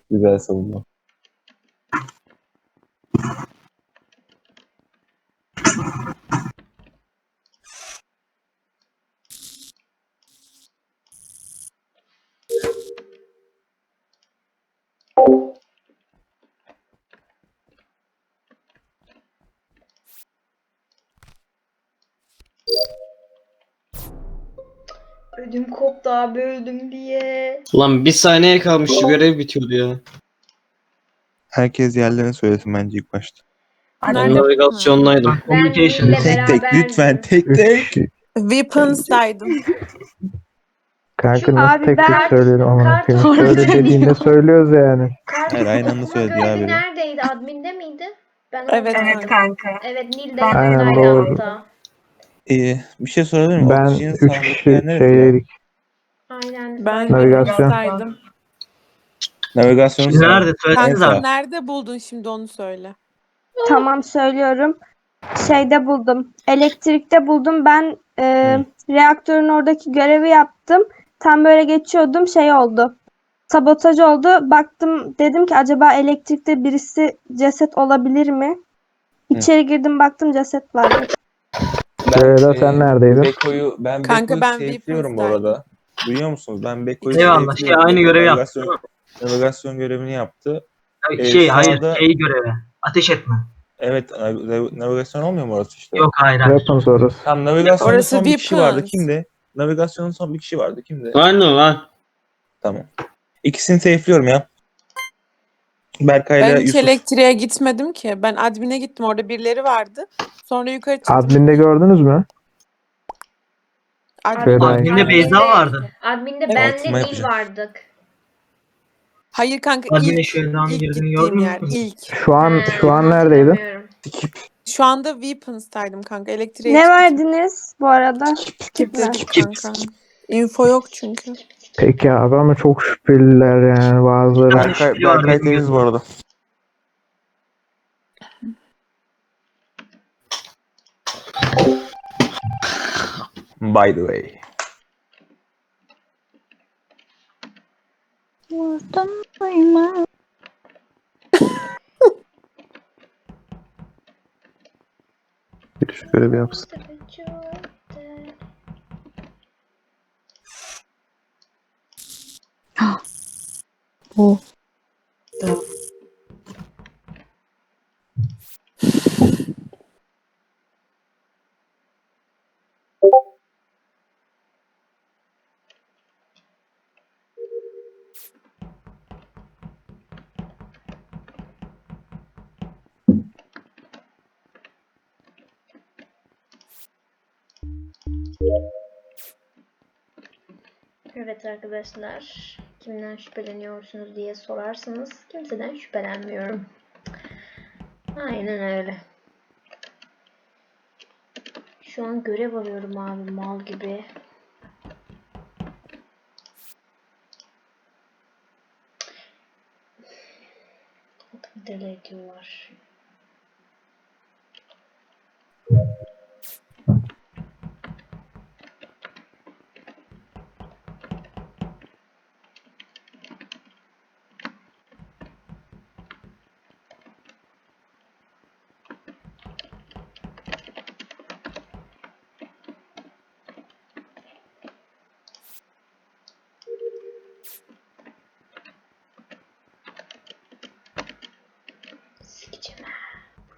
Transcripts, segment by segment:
Güzel savunma. Ödüm koptu abi öldüm diye. Ulan bir saniye kalmıştı, görev bitiyordu ya. Herkes yerlerini söylesin bence ilk başta. Ben Nerede? navigasyondaydım. Ben Communication. Nil'le Tek tek lütfen tek tek. Weapons'daydım. Kanka Şu- nasıl Abi tek tek ben söyleyelim ama kart söyle oynayamıyorum. dediğinde söylüyoruz yani. Hayır, aynı anda Okuma söyledi ya görevi biri. neredeydi? Admin'de miydi? Ben Evet, orada- evet kanka. Evet Nil de Aynen, yanımdaydı doğru. hatta. Bir şey sorabilir miyim? Ben Oksijenin 3 sağındaki kişi yer neresi ya? şeydeydik. Aynen. Ben zaten- Navigasyon. Weapons'daydım. Navigasyonun Şimdi sağ. nerede? En Söylesenize sağ. abi. Nerede buldun şimdi onu söyle. Tamam söylüyorum. Şeyde buldum. Elektrikte buldum. Ben reaktörün oradaki görevi yaptım. Tam böyle geçiyordum. Şey oldu. Sabotaj oldu. Baktım dedim ki acaba elektrikte birisi ceset olabilir mi? İçeri girdim baktım ceset vardı. Ceyda sen neredeydin? Ben Kanka, Beko'yu ben safe'liyorum bu Weapons'daydım. arada. Duyuyor musunuz? Ben Beko'yu Eyvallah. safe'liyorum. Aynı Beko görevi yaptı. navigasyon görevini yaptı. Hayır, sağda- görevi. Ateş etme. Evet, navigasyon olmuyor mu orası işte? Yok, hayır. Weapons orası. Tam navigasyonda Orası son bir kişi vardı. Weapons. Kimdi? Navigasyonun son bir kişi vardı. Kimdi? Lan o lan. Tamam. İkisini safe'liyorum ya. Berkay'la Ben hiç Yusuf. elektriğe gitmedim ki. Ben admin'e gittim. Orada birileri vardı. Sonra yukarı çıktım. Admin'de gördünüz mü? Admin. Fedai. Admin'de Beyza vardı. Admin'de Evet. benle Altıma Nil yapacağım. vardık. Hayır kanka, Admin'e ilk şöyle girdiğini gittiğim gördün yer. mü? İlk. Şu an neredeydin? Hatırlamıyorum. Şu anda Weapons'taydım kanka. Elektriğe Ne hiç verdiniz bu arada? gitmedim Skip mi? kanka. Info yok çünkü. Peki abi ama çok şüpheliler yani bazıları. Berkay temiz bu arada. By the way. Bir şu görevi yapsın. Evet arkadaşlar, kimden şüpheleniyorsunuz diye sorarsanız kimseden şüphelenmiyorum. Aynen öyle. Şu an görev arıyorum abi mal gibi. Deli ediyorlar. Sikeceğim ha.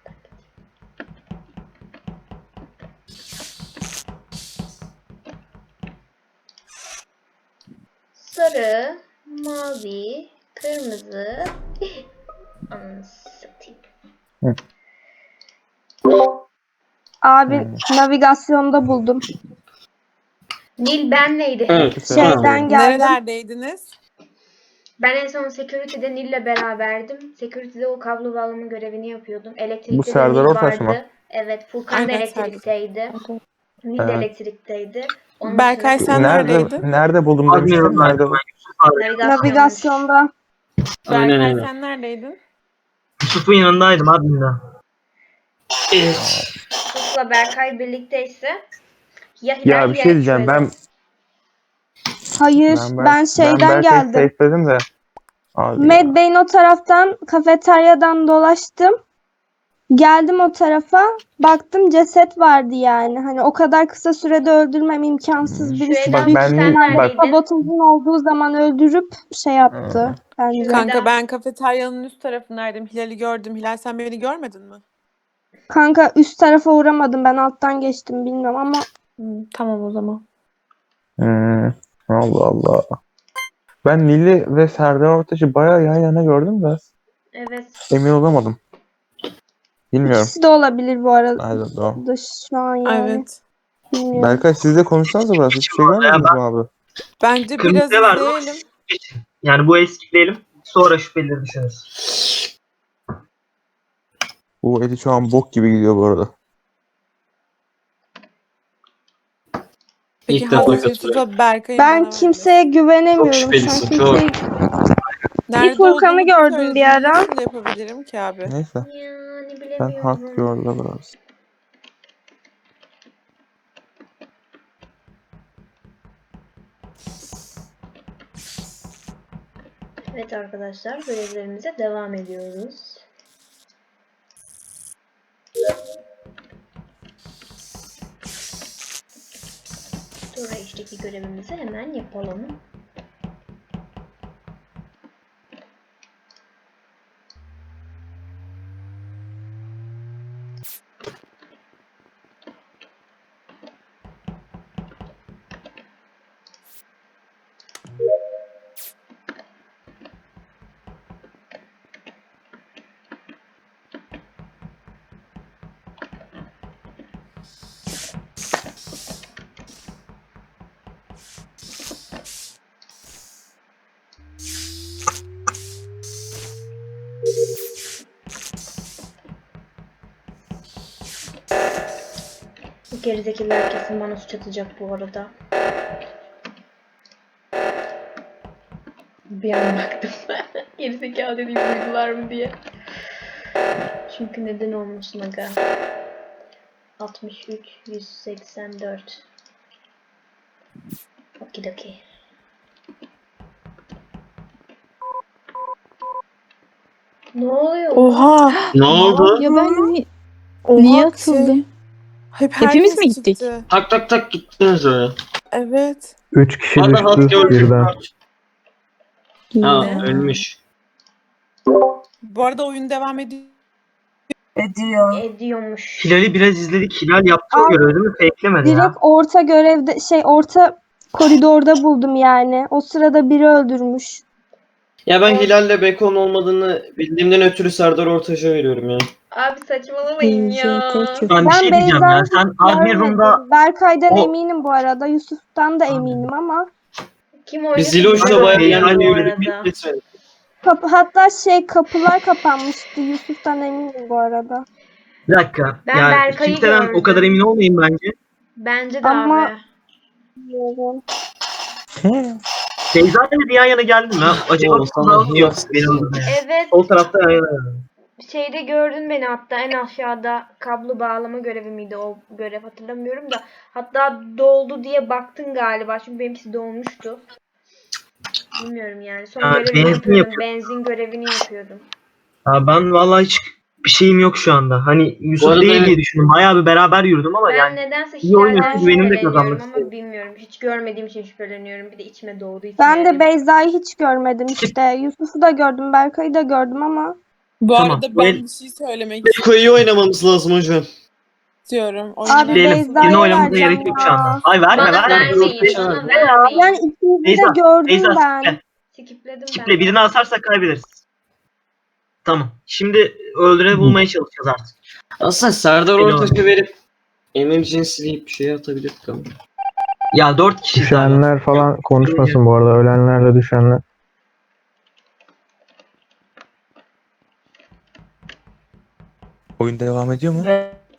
Sarı, mavi, kırmızı. Anasını satayım. Abi navigasyonda buldum. Nil benleydi. Evet. Şeyden geldim. Nerelerdeydiniz? Ben en son security'de Nil'le beraberdim. Security'de o kablo bağlama görevini yapıyordum. Elektrikte Bu de Serdar Nil Ortaç vardı. mı? Evet, Furkan da Aynen, elektrikteydi. Nil de Evet. elektrikteydi. Onun Berkay dışında sen neredeydin? Nerede buldum demiştin? Admin'e Nerede bu? Navigasyonda. Aynen Berkay öyle. sen neredeydin? Yusuf'un yanındaydım admin'de. Yusuf'la Berkay birlikteyse ya Hilal Ya bir şey diyeceğim. Ben Hayır ben şeyden Berkay'ı geldim. safe'ledim de. Abi, Mad Bey'in o taraftan kafeteryadan dolaştım. Geldim o tarafa. Baktım ceset vardı yani. Hani o kadar kısa sürede öldürmem imkansız. Şu Birisi Eda büyük ben- sen ihtimalle neredeydin? sabotajın olduğu zaman öldürüp şey yaptı bence. Kanka Eda. ben kafeteryanın üst tarafındaydım. Hilal'i gördüm. Hilal sen beni görmedin mi? Kanka üst tarafa uğramadım. Ben alttan geçtim bilmiyorum ama Tamam o zaman. Allah Allah. Ben Nil'i ve Serdar Ortaç'ı bayağı yan yana gördüm de Evet. emin olamadım. Bilmiyorum. ikisi de olabilir bu arada Nerede o? şu an yani. Evet. Bilmiyorum. Berkay siz de konuşsanıza biraz. Hiçbir şey görmediniz mi abi? Bence biraz Kırmızıya verdim ama izleyelim. geçin. Yani bu eskitleyelim. Sonra şüphelileri düşünürüz. Bu Edi şu an bok gibi gidiyor bu arada. Peki İlk defa Hazreti katılıyorum. Yusuf'a Berkay'ın Ben bana kimseye güvenemiyorum. Çok Şu an şüphelisin, kimseye... Nerede Bir Furkan'ı olduğunu gördüm söylediğini bir ara. Nasıl yapabilirim ki abi? Neyse. Yani Ben hak bilemiyorum. gördüm biraz. Evet arkadaşlar görevlerimize devam ediyoruz. Sonra işteki görevimizi hemen yapalım. Bu gerizekiler kesin bana suç atacak bu arada. Bir an baktım. Gerizekalı dediğim duydular mı diye. Çünkü neden olmasın aga. 63, 184. Okidoki. Ne oluyor? Oha! Ne oldu? Ya ben Oha niye şey, atıldım? hep Hepimiz herkes mi gittik? çıktı. Tak tak tak gittiniz öyle. Evet. 3 kişi Hadi hadi düştü gördüm. birden. Ha Ya. ölmüş. Bu arada oyun devam ediyor. Ediyormuş. Hilal'i biraz izledik. Hilal yaptı o Abi, görevi değil mi? Fake'lemedi ya. Direkt orta görevde orta koridorda buldum yani. O sırada biri öldürmüş. Ya ben Hilal'le Beko'nun olmadığını bildiğimden ötürü Serdar Ortaç'a veriyorum ya. Abi saçmalamayın ya. Ben bir şey diyeceğim ya. Sen admin room'da görmedim. Berkay'dan o- eminim bu arada. Yusuf'tan da eminim ama Kim oynadı? Biz Ziloş'la Aynen, bayağı Hilal'le yani yürüdük, lütfen. hatta kapılar kapanmıştı. Yusuf'tan eminim bu arada. bir dakika. Ben yani Berkay'ı kimseden gördüm. o kadar emin olmayın bence. Bence de Ama- abi. Bilmiyorum. Beyza ile bir yan yana geldim ya. Acaba Doğru, sana yok yok. benim orada yani. Evet. Sol tarafta yan yana geldim. Şeyde gördün beni hatta en aşağıda kablo bağlama görevi miydi o görev hatırlamıyorum da. Hatta doldu diye baktın galiba çünkü benimkisi dolmuştu. Bilmiyorum yani. Son Ha, görevini benzin yapıyordum. yapıyor. Benzin görevini yapıyordum. Ya ben vallahi hiç bir şeyim yok şu anda. Hani Yusuf arada değil evet. diye düşündüm. Bayağı bir beraber yürüdüm ama Ben yani nedense iyi oynuyorsun, Hilal'den güvenimi de şüpheleniyorum kazanmak ama istedim. bilmiyorum. Hiç görmediğim için şüpheleniyorum. Bir de içime doğduğu için. Ben de yani. Beyza'yı hiç görmedim işte. Yusuf'u da gördüm, Berkay'ı da gördüm ama Bu Tamam, arada bu ben el- bir şey söylemek Beko'yu oynamamız lazım hocam. istiyorum. Abi Oyuna- Diyelim. Beyza'ya Birine oynamamıza vereceğim gerek yok ya. şu anda. Ay verme Bana verme. vermeyin. Bana Bana Ne ya? vermeyin. Yani ikinizi de Beyza, gördüm Beyza ben. skiple. Skipledim Skiple. ben. Birini asarsak kaybederiz. Tamam. Şimdi öldüreni bulmaya çalışacağız artık. Aslında Serdar Beni Ortaç'a verip Emirci'ni sileyip bir şey atabilirdik ama. Ya 4 kişi Düşenler falan konuşmasın bu arada. Ölenlerle düşenler. Oyun devam ediyor mu?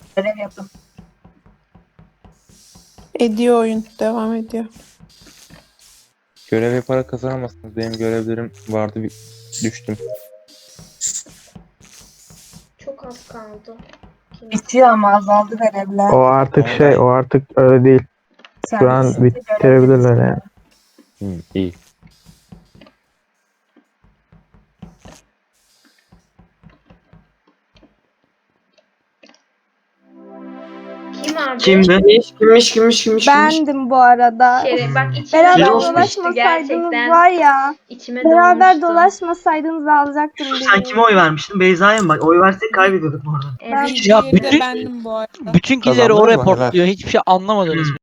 Ediyor oyun. Devam ediyor. Görev yaparak kazanamazsınız. Benim görevlerim vardı. Düştüm. Çok az kaldı. Bitiyor ama azaldı görevler. O artık o artık öyle değil. Şu an bitirebilirler yani. İyi. abi. Kimdi? Kimmiş? Bendim bu arada. Bak içime Beraber Şeref doğmuştu dolaşmasaydınız gerçekten. var ya. İçime Beraber doğmuştu. dolaşmasaydınız alacaktım Sen birini. kime oy vermiştin? Beyza'ya mı? Bak oy versek kaybediyorduk bu arada. Evet. Diğeri de bütün- bendim bu arada. Bütün killeri Kazandın o mı? reportluyor. Hiçbir şey anlamadınız mı?